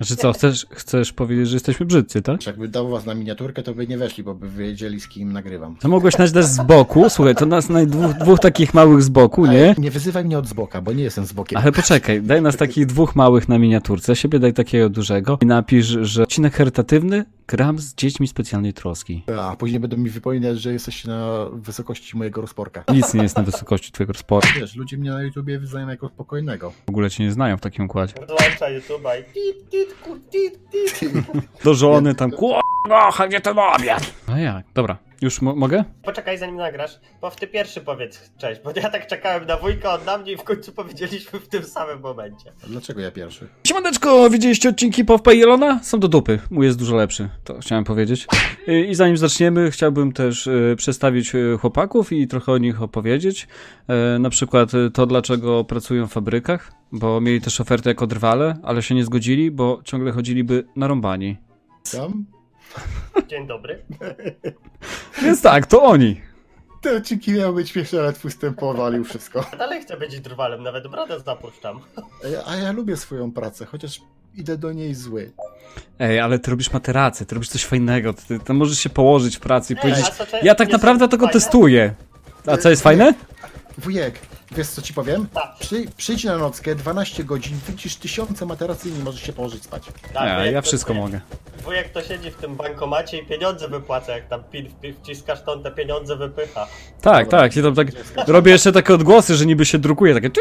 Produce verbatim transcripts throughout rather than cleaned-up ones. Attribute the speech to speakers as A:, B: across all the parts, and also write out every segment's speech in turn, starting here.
A: Znaczy co, chcesz, chcesz powiedzieć, że jesteśmy brzydcy, tak?
B: Jakby dał was na miniaturkę, to by nie weszli, bo by wiedzieli, z kim nagrywam.
A: To mogłeś nas dać z boku, słuchaj, to nas naj dwóch, dwóch takich małych z boku, nie?
B: Ale nie wyzywaj mnie od z boka, bo nie jestem z bokiem.
A: Ale poczekaj, daj nas takich dwóch małych na miniaturce, siebie daj takiego dużego i napisz, że odcinek charytatywny gram z dziećmi specjalnej troski.
B: A później będą mi wypominać, że jesteś na wysokości mojego rozporka.
A: Nic nie jest na wysokości twojego sportu.
B: Wiesz, ludzie mnie na YouTubie wyznają jako spokojnego.
A: W ogóle cię nie znają w takim układzie.
C: Włącza YouTube'a i tit, tit, ku, tit, tit.
A: Do żony tam, k***a, gdzie ten obiad? No jak, dobra, już mo mogę?
C: Poczekaj zanim nagrasz, bo w ty pierwszy powiedz cześć, bo ja tak czekałem na wujka, on na mnie i w końcu powiedzieliśmy w tym samym momencie.
B: A dlaczego ja pierwszy?
A: Siemaneczko, widzieliście odcinki PowPay Jelona? Są do dupy, mój jest dużo lepszy, to chciałem powiedzieć. I zanim zaczniemy, chciałbym też przedstawić chłopaków i trochę o nich opowiedzieć. Na przykład to, dlaczego pracują w fabrykach, bo mieli też ofertę jako drwale, ale się nie zgodzili, bo ciągle chodziliby narąbani.
B: Tam?
C: Dzień dobry.
A: Więc tak, to oni.
B: Te odcinki miały być śmieszne, ale twój wstęp powalił wszystko.
C: Dalej chcę być drwalem, nawet brodę zapuszczam.
B: A ja, a ja lubię swoją pracę, chociaż idę do niej zły.
A: Ej, ale ty robisz materacy, ty robisz coś fajnego, ty, ty możesz się położyć w pracy i
C: Ej,
A: powiedzieć,
C: a co, czy-
A: ja tak
C: nie
A: naprawdę
C: są
A: tego
C: fajne?
A: testuję. A co jest fajne?
B: Wujek, wiesz co ci powiem?
C: Tak.
B: Przy, przyjdź na nockę, dwanaście godzin, widzisz tysiące materacy i nie możesz się położyć spać.
C: Tak,
A: Ja,
C: wujek
A: ja
C: to-
A: wszystko mogę.
C: Wujek to siedzi w tym bankomacie i pieniądze wypłaca, jak tam pin wpi- wciskasz, to on te pieniądze wypycha.
A: Tak, tak, ja tam tak robię jeszcze takie odgłosy, że niby się drukuje, takie...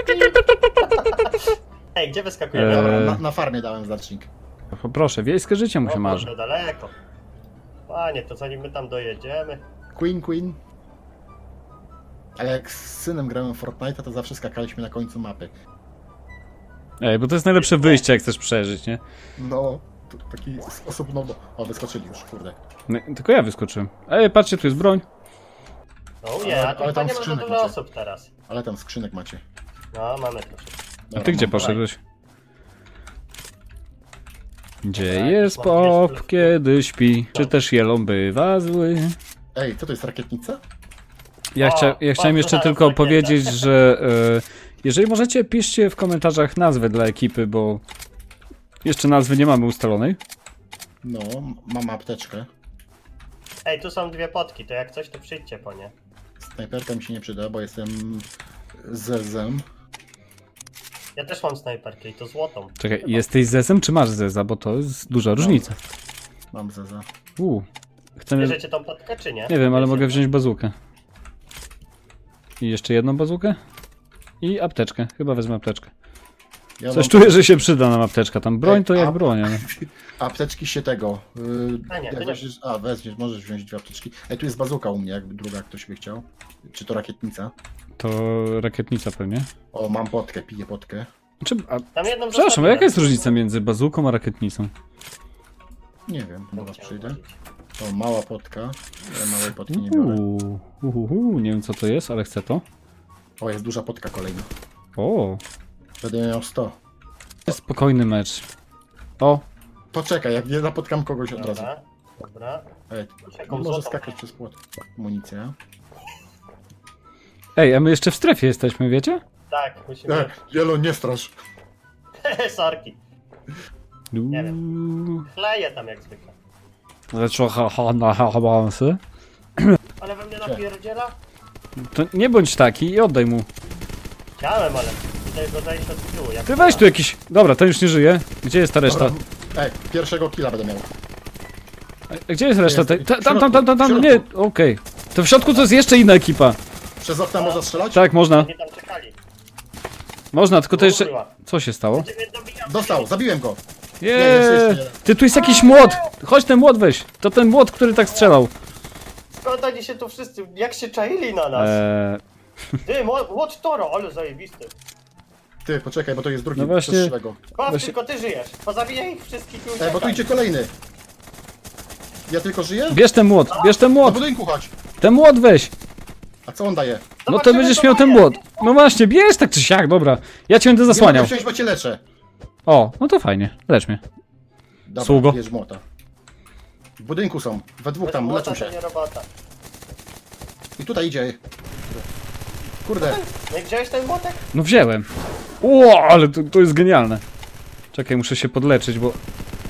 C: Ej, gdzie wyskakujemy?
A: Eee.
B: Dobra, na, na farmie dałem znacznik.
A: Proszę, wiejskie życie mu się
C: O,
A: marzy.
C: kurde, daleko. Panie, to zanim my tam dojedziemy.
B: Queen, Queen. Ale jak z synem grałem w Fortnite'a, to zawsze skakaliśmy na końcu mapy.
A: Ej, bo to jest najlepsze wyjście, jak chcesz przeżyć, nie?
B: No, to taki osobno... O, wyskoczyli już, kurde.
A: No, tylko ja wyskoczyłem. Ej, patrzcie, tu jest broń.
C: No nie,
B: Ale-
C: a tu
B: ale
C: chyba
B: tam
C: nie ma za
B: skrzynek
C: dużo
B: macie.
C: osób teraz.
B: Ale tam skrzynek macie.
C: No, mamy troszeczkę.
A: A
B: Dobra,
A: ty gdzie
B: mam-
A: poszedłeś? Gdzie
C: Tak,
A: jest
C: mam
A: pop,
C: gdzieś-
A: kiedy śpi? Czy też jelon bywa zły?
B: Ej, co to jest, rakietnica?
A: Ja,
C: O,
A: chcia ja chciałem
C: bardzo
A: jeszcze
C: zaraz
A: tylko
C: rakieta.
A: powiedzieć, że e, jeżeli możecie, piszcie w komentarzach nazwę dla ekipy, bo jeszcze nazwy nie mamy ustalonej.
B: No, mam apteczkę.
C: Ej, tu są dwie potki, to jak coś, to przyjdźcie po nie.
B: Snajperka mi się nie przyda, bo jestem zezem.
C: Ja też mam snajperkę i to złotą.
A: Czekaj,
C: Chyba.
A: jesteś zezem czy masz zeza, bo to jest duża różnica.
B: Mam zeza.
A: Uuu. Chcemy...
C: Bierzecie tą potkę, czy nie?
A: Nie wiem, ale
C: Wiecie,
A: mogę wziąć bazukę. I jeszcze jedną bazukę. I apteczkę. Chyba wezmę apteczkę.
B: Ja
A: Coś
B: mam-
A: czuję, że się przyda nam apteczka. Tam broń
B: Ej,
A: to jak
B: a-
A: broń, ale...
B: Apteczki się tego. Yy,
C: A nie,
B: jak
C: to nie.
B: weźmiesz, a, weźmiesz, możesz wziąć dwie apteczki. Ej, tu jest bazuka u mnie, jakby druga ktoś by chciał. Czy to rakietnica?
A: To rakietnica pewnie.
B: O, mam potkę, piję potkę.
A: Czy... A...
C: Tam jedną
A: Przepraszam, a
C: zostawię.
A: jaka jest różnica między bazuką a rakietnicą?
B: Nie wiem, do was przyjdę. O, mała potka. Ja małej potki nie biorę.
A: Uuu, uhuhu, nie wiem co to jest, ale chcę to.
B: O, jest duża potka kolejna.
A: O,
B: Będę miał sto.
A: to jest spokojny mecz. O,
B: Poczekaj, jak nie napotkam kogoś od razu.
C: Dobra, dobra.
B: Ej,
C: Jaką
B: może
C: złotą?
B: skakać przez płot. Amunicja.
A: ej, a my jeszcze w strefie jesteśmy, wiecie?
C: Tak, musimy...
B: E, Jelo, nie strasz.
C: Sorki. Nie
A: Uuu,
C: Kleję tam jak zwykle.
A: lecz ha ha na ha habansy.
C: Ale we mnie napierdziela?
A: To nie bądź taki i oddaj mu.
C: Chciałem, ale tutaj go zajść od tyłu. Jak
A: Ty weź tu jakiś... Dobra, ten już nie żyje. Gdzie jest ta reszta?
B: Dobra, ej, pierwszego killa będę miał.
A: A gdzie jest reszta?
B: Jest,
A: tej- ta-
B: w
A: Tam, tam, tam, tam, tam,
B: środku,
A: nie,
B: w
A: okej. To w środku to jest jeszcze inna ekipa.
B: Przez okna można strzelać?
A: Tak, można.
C: Oni tam czekali.
A: Można, tylko to jeszcze...
C: Kurwa.
A: Co się stało?
C: Ciebie dobijam.
B: Dostał, zabiłem go.
A: Jeee!
B: jeszcze jeden.
A: Ty, tu jest jakiś młot! Chodź ten młot weź! To ten młot, który tak strzelał.
C: Skąd oni się tu wszyscy, jak się czaili na nas?
A: Eee,
C: Ty, Watch Toro, ale zajebisty.
B: Ty, poczekaj, bo to jest drugi.
A: No właśnie.
B: Postrzelę go.
C: Patrz,
A: Właśnie-
C: tylko ty żyjesz. Pozabijaj ich wszystkich i
B: Ej, bo tu
C: uciekaj.
B: idzie kolejny. Ja tylko żyję?
A: bierz ten młot, bierz ten
B: Do
A: młot!
B: budynku chodź.
A: Ten młot weź!
B: A co on daje?
A: No to
C: Zobaczymy,
A: będziesz
C: co
A: miał ten
C: daje.
A: młot. No właśnie, bierz tak czy siak, dobra. Ja cię będę
B: Nie
A: zasłaniał.
B: mogę wziąć, bo cię leczę.
A: O, no to fajnie, lecz mnie.
B: Dobra,
A: Sługo.
B: bierz młota. W budynku są, we dwóch
C: Bez
B: tam,
C: młota
B: leczą
C: to
B: się.
C: nie robota.
B: I tutaj idzie. Kurde,
C: No i wziąłeś ten młotek?
A: No wziąłem. Ło, ale to, to jest genialne. Czekaj, muszę się podleczyć, bo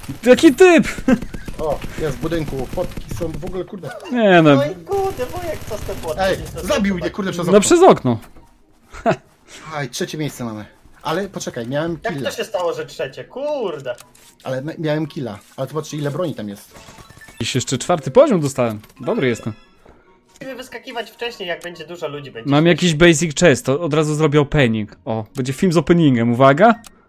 A: Jaki typ!
B: O, jest w budynku, fotki są w ogóle, kurde.
A: Nie no,
C: No i kurde, wujek, co z tym płotem?
B: Ej, zabił mnie, kurde, przez okno.
A: no przez okno.
B: Aj, trzecie miejsce mamy. Ale poczekaj, miałem
C: Jak
B: killa.
C: to się stało, że trzecie? Kurde.
B: Ale ma- miałem killa. Ale zobaczcie, ile broni tam jest.
A: Dziś jeszcze czwarty poziom dostałem. Dobry jestem.
C: Musimy wyskakiwać wcześniej, jak będzie dużo ludzi. Będzie
A: Mam
C: śmiesznie.
A: jakiś basic chest, to od razu zrobię opening. O, będzie film z openingiem, uwaga.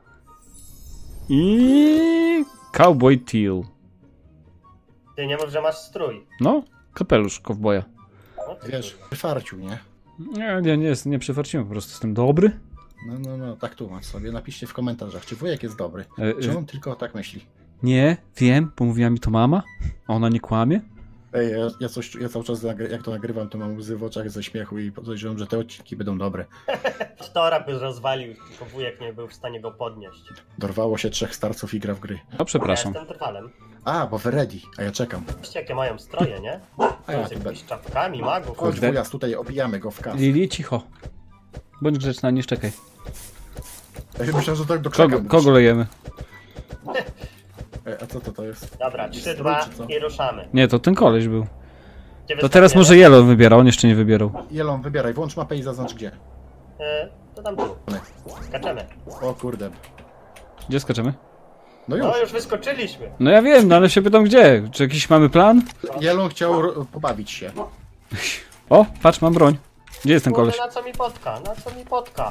A: I... Cowboy Teal.
C: Ty nie mów, że masz strój.
A: No, kapelusz kowboja.
C: No, ty
B: Wiesz, wyfarcił, nie?
A: Nie, nie, nie, jest- nie przefarciłem, po prostu jestem dobry.
B: No, no, no, tak tłumacz sobie. Napiszcie w komentarzach, czy wujek jest dobry.
A: E,
B: Czy
A: e,
B: on tylko tak myśli?
A: nie, wiem, bo mówiła mi to mama. A ona nie kłamie.
B: Ej, ja, ja, coś, ja cały czas nagry- jak to nagrywam, to mam łzy w oczach ze śmiechu i podejrzewam, że te odcinki będą dobre.
C: Tora by rozwalił, tylko wujek nie był w stanie go podnieść.
B: Dorwało się trzech starców i gra w gry.
A: No, przepraszam.
C: Ja jestem trwalem.
B: A, bo wy ready, a ja czekam.
C: Zobaczcie, jakie mają stroje, nie?
B: A ja
C: Z
B: tu
C: jakimiś czapkami, magów.
B: Chodź
A: Kurde.
B: wujas, tutaj obijamy go w kas.
A: Lili, cicho. Bądź grzeczna, nie szczekaj.
B: Ja myślałem, że tak do krzaka
A: Kogo,
B: mówisz.
A: kogo lejemy?
B: Ej, a co to to jest?
C: Dobra,
B: Jakiś
C: trzy,
B: strój,
C: dwa
B: czy co?
C: i ruszamy.
A: Nie, to ten koleś był.
C: Gdzie
A: To teraz może
C: wyskakujemy?
A: Yellow wybiera, on jeszcze nie wybierał.
B: Jelon, wybieraj, włącz mapę i zaznacz gdzie.
C: E, to tam tu. Skaczemy.
B: O kurde.
A: Gdzie skaczemy?
B: No już.
C: No już wyskoczyliśmy.
A: No ja wiem, no ale się pytam gdzie. Czy jakiś mamy plan?
B: Jelon chciał ro- pobawić się.
A: O, patrz, mam broń. Gdzie jest ten koleś?
C: Kurde, na co mi potka? Na co mi potka?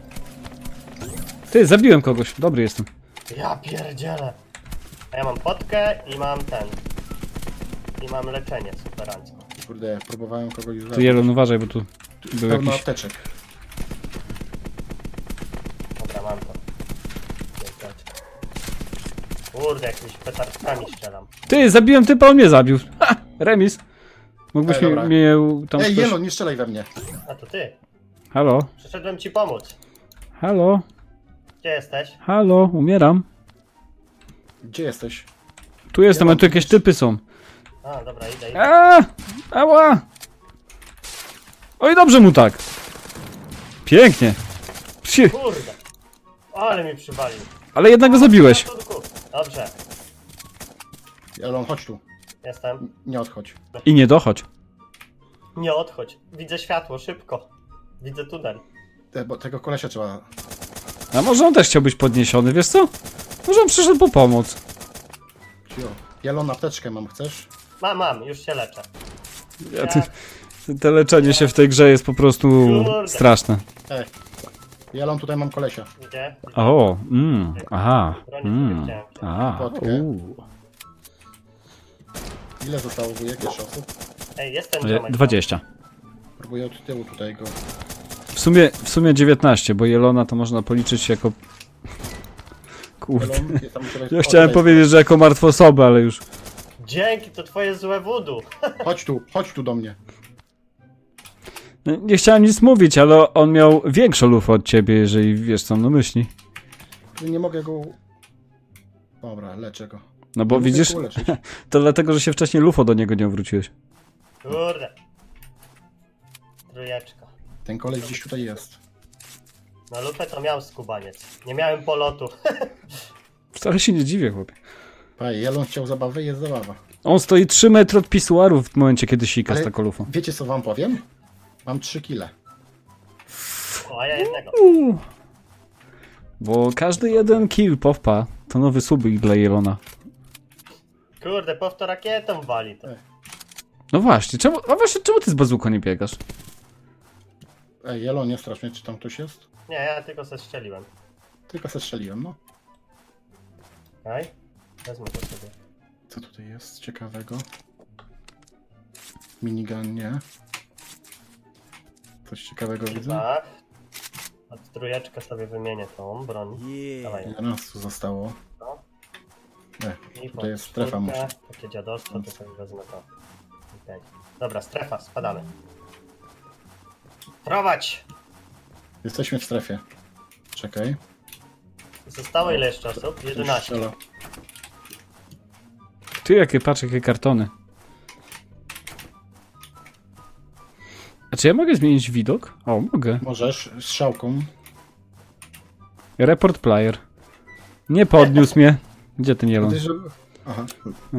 A: Ty, zabiłem kogoś. Dobry jestem.
C: Ja pierdzielę. A ja mam potkę i mam ten. I mam leczenie superancko.
B: Kurde, próbowałem kogoś
A: Ty,
B: zabić.
A: Jelon, uważaj, bo tu był
B: Pełno
A: jakiś...
B: apteczek.
C: Dobra, mam to. Pięteczka. Kurde, jakimiś petardkami strzelam.
A: Ty, zabiłem typa, on mnie zabił. Ha! Remis. Mógłbyś
B: Ej,
A: mi,
B: dobra.
A: mnie tam
B: Ej,
A: ktoś...
B: Jelon, nie strzelaj we mnie.
C: A to ty.
A: Halo?
C: Przyszedłem ci pomóc.
A: Halo?
C: Gdzie jesteś?
A: Halo? Umieram.
B: Gdzie jesteś?
A: Tu jestem,
B: Ja
A: a
B: mam
A: tu jakieś
B: gdzieś-
A: typy są.
C: A, dobra, idę, idę.
A: Aaa! Ała! Oj, dobrze mu tak. Pięknie. Psi,
C: Kurde. Ale mi przywalił.
A: ale jednak go zabiłeś.
C: Ratunku. Dobrze,
B: Jelon, chodź tu.
C: jestem.
B: Nie odchodź.
A: I nie dochodź.
C: Nie odchodź. Widzę światło, szybko. Widzę tunel.
B: Te, bo tego kolesia trzeba...
A: A może on też chciał być podniesiony, wiesz co? Może on przyszedł po pomoc.
B: Cio. Jelon, apteczkę mam, chcesz?
C: Mam, mam, już się leczę.
A: Ja, ty, te leczenie się w tej grze jest po prostu
C: Kurde.
A: straszne.
B: Ej. Jelon, tutaj mam kolesia.
C: Gdzie?
A: O, mm, aha,
C: Broni sobie
A: mm,
C: chciałem.
A: a,
B: Potkę.
A: uuu.
B: Ile zostało wujek jeszcze osób?
C: Ej, jest ten
A: E,
C: ziomek.
A: dwadzieścia.
B: Próbuję od tyłu tutaj go...
A: W sumie, w sumie dziewiętnaście, bo Jelona to można policzyć jako... Kurde.
B: Jelon, jest tam u ciebie-
A: Ja
B: o,
A: chciałem
B: tutaj
A: powiedzieć, że jako martwą osobę, ale już...
C: Dzięki, to twoje złe wudu.
B: jest. Chodź tu, chodź tu do mnie.
A: Nie chciałem nic mówić, ale on miał większą lufę od ciebie, jeżeli wiesz co on na myśli.
B: Nie mogę go... Dobra, leczę go.
A: No bo
B: Nie mogę
A: widzisz,
B: go uleczyć.
A: to dlatego, że się wcześniej lufo do niego nie wróciłeś.
C: Kurde. Trójeczka.
B: Ten koleś gdzieś tutaj jest.
C: Na lupę to miał skubaniec. Nie miałem polotu.
A: Wcale się nie dziwię, chłopie.
B: Paj, Jelon chciał zabawy, jest zabawa.
A: On stoi trzy metry od pisuaru w momencie, kiedy sika z
B: Ale
A: taką lufą.
B: wiecie co wam powiem? Mam trzy kile.
C: O, a ja jednego.
A: Uuu. Bo każdy jeden kill powpa to nowy subik dla Jelona.
C: Kurde, powtór rakietą wali to.
A: No właśnie, czemu, a właśnie, czemu ty z bazuką nie biegasz?
B: Ej, Jelon, nie strasz mnie, czy tam ktoś jest?
C: Nie, ja tylko se strzeliłem.
B: Tylko se strzeliłem, no.
C: Okej? Wezmę to sobie.
B: Co tutaj jest ciekawego? Minigun, nie. Coś ciekawego widzę?
C: Tak. A trójeczkę sobie wymienię tą broń. Dawaj.
B: Ile nas tu zostało?
C: No.
B: Nie,
C: I
B: tutaj jest
C: pod
B: strefa,
C: czwórkę,
B: muszę.
C: Takie dziadostwo, to sobie wezmę to. Okej. Dobra, strefa, spadamy. Prowadź!
B: Jesteśmy w strefie. Czekaj.
C: Zostało ile jeszcze osób?
B: Ktoś
C: jedenaście.
B: strzela.
A: Ty, jakie, patrz, jakie kartony. A czy ja mogę zmienić widok? O, mogę.
B: Możesz, strzałką.
A: Report player. Nie podniósł mnie. Gdzie ten Jelon?
B: Gdyż- Aha.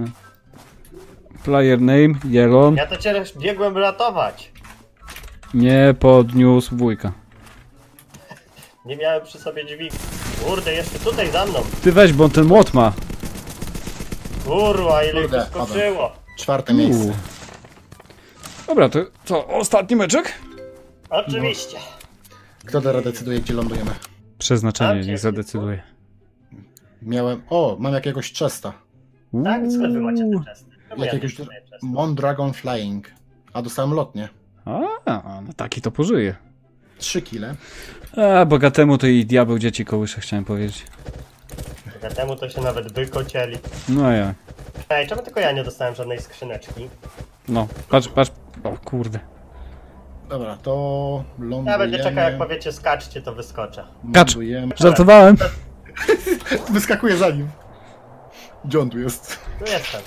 A: Player name, Jelon.
C: Ja to cię biegłem ratować.
A: Nie podniósł wujka.
C: Nie miałem przy sobie dźwig. Kurde, jeszcze tutaj za mną.
A: Ty weź, bo on ten młot ma.
C: Kurwa, ile ich
B: Kurde,
C: wyskoczyło.
B: Czwarte miejsce.
A: Uuu. Dobra, to co, ostatni meczek?
C: Oczywiście.
B: Kto teraz decyduje, gdzie lądujemy?
A: Przeznaczenie,
C: Tam
A: niech
C: się-
A: zadecyduje.
B: Miałem... O, mam jakiegoś chesta.
C: Tak? Skąd wy macie te czesty? Czemu ja
B: Jakiegoś
C: nie mam czesty?
B: Mondragon Flying. A dostałem lotnie.
A: A, no taki to pożyje.
B: Trzy kile.
A: A, bogatemu to i diabeł dzieci kołysze, chciałem powiedzieć.
C: Tylko temu to się nawet wykocieli.
A: No ja.
C: Ej, czemu tylko ja nie dostałem żadnej skrzyneczki?
A: No, patrz, patrz. O kurde.
B: Dobra, to lądujemy.
C: Ja będę czekał, jak powiecie skaczcie, to wyskoczę.
A: Kacz.
B: Lądujemy.
A: Żartowałem.
B: Wyskakuje za nim. Gdzie on tu jest?
C: Tu jestem.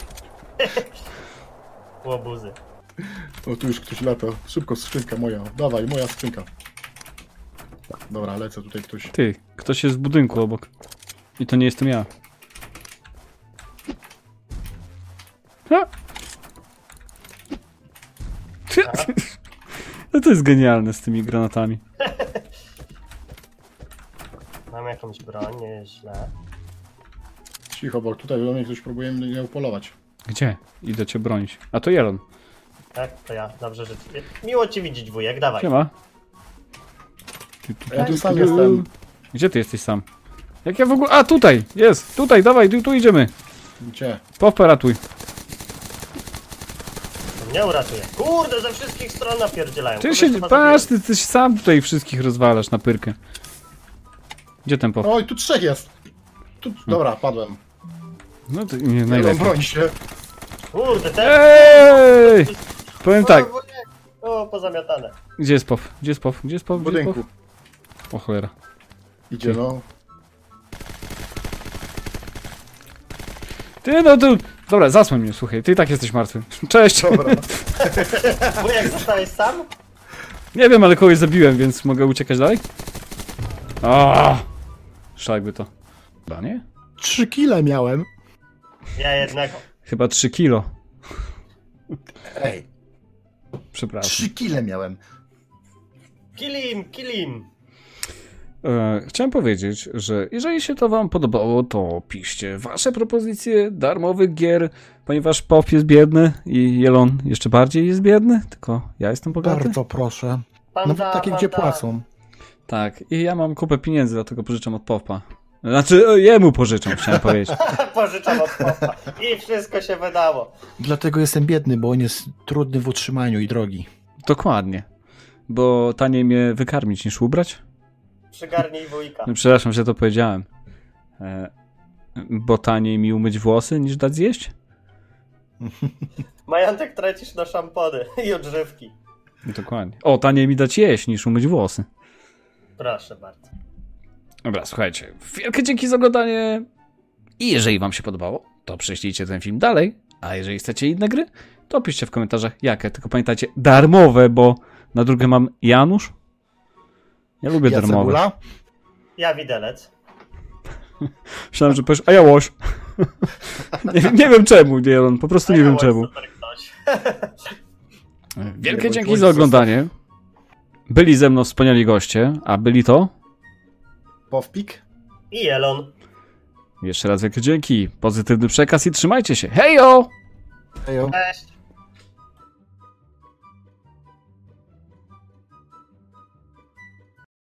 C: Łobuzy.
B: O, tu już ktoś lata. Szybko, skrzynka moja. Dawaj, moja skrzynka. Dobra, lecę tutaj ktoś.
A: Ty, ktoś jest w budynku obok. I to nie jestem ja. Ha! Ty- No to jest genialne z tymi granatami.
C: Mam jakąś broń, nie jest źle.
B: Cicho, bo tutaj do mnie ktoś próbuje mnie upolować.
A: Gdzie? Idę cię bronić. A to Jelon.
C: Tak, to ja. Dobrze, że... Miło ci widzieć, wujek, dawaj.
A: Siema. Ty, tu,
B: Ja
A: tu,
B: tu sam
A: tu.
B: jestem.
A: Gdzie ty jesteś sam? Jak ja w ogóle... A, tutaj! Jest! Tutaj, dawaj, tu, tu idziemy.
B: Gdzie?
A: Powpa ratuj.
C: To mnie uratuje. Kurde, ze wszystkich stron napierdzielają.
A: Ty
C: Kogoś
A: się...
C: chyba
A: Patrz,
C: zabiłem.
A: ty, ty się sam tutaj wszystkich rozwalasz na pyrkę. Gdzie ten powpa?
B: Oj, tu trzech jest! Tu... Dobra, padłem.
A: No to nie,
B: Najlepiej.
A: najlepiej.
B: Broń się.
C: Kurde, ten...
A: Ej! Powiem
C: O,
A: tak.
C: wujek. O, pozamiatane.
A: Gdzie jest pow? Gdzie jest pow? Gdzie jest pow?
B: W
A: Gdzie jest
B: budynku.
A: pow? O cholera.
B: Idzie, no.
A: Ty no tu... Dobra, zasłoń mnie, słuchaj. Ty i tak jesteś martwy. Cześć!
B: Dobra.
C: Wujek, zostałeś sam?
A: Nie wiem, ale kogoś zabiłem, więc mogę uciekać dalej? O! Szlakby to. Chyba nie?
B: Trzy kile miałem.
C: Ja jednego.
A: Chyba trzy kilo.
B: Ej,
A: Przepraszam.
B: trzy kile miałem.
C: Kill him, kill him.
A: E, chciałem powiedzieć, że jeżeli się to wam podobało, to piszcie wasze propozycje darmowych gier, ponieważ Pop jest biedny i Jelon jeszcze bardziej jest biedny, tylko ja jestem bogaty.
B: Bardzo proszę.
C: Panda,
B: Nawet takie, gdzie
C: panda.
B: płacą.
A: Tak, i ja mam kupę pieniędzy, dlatego pożyczam od Popa. Znaczy, e, jemu pożyczam, chciałem powiedzieć.
C: Pożyczam od popa. I wszystko się wydało.
B: Dlatego jestem biedny, bo on jest trudny w utrzymaniu i drogi.
A: Dokładnie. Bo taniej mnie wykarmić niż ubrać?
C: Przygarnij wujka.
A: No, przepraszam, że to powiedziałem. E, bo taniej mi umyć włosy niż dać zjeść?
C: Majątek tracisz na szampony i odżywki.
A: Dokładnie. O, taniej mi dać jeść niż umyć włosy.
C: Proszę bardzo.
A: Dobra, słuchajcie. Wielkie dzięki za oglądanie. I jeżeli wam się podobało, to prześlijcie ten film dalej. A jeżeli chcecie inne gry, to piszcie w komentarzach jakie. Tylko pamiętajcie, darmowe, bo na drugie mam Janusz. Ja lubię
B: Ja
A: darmowe.
B: cebula?
C: Ja widelec.
A: Myślałem, że powiesz, a ja łoś. nie, nie wiem czemu, nie, on po prostu nie wiem czemu.
C: Super ktoś.
A: Wielkie
B: Nie, bo
A: dzięki
B: łoś
A: za oglądanie. Byli ze mną wspaniali goście, a byli to...
B: Powpik?
C: I Elon.
A: Jeszcze raz wielkie dzięki, pozytywny przekaz i trzymajcie się. Hejo!
B: Hejo.
C: Cześć.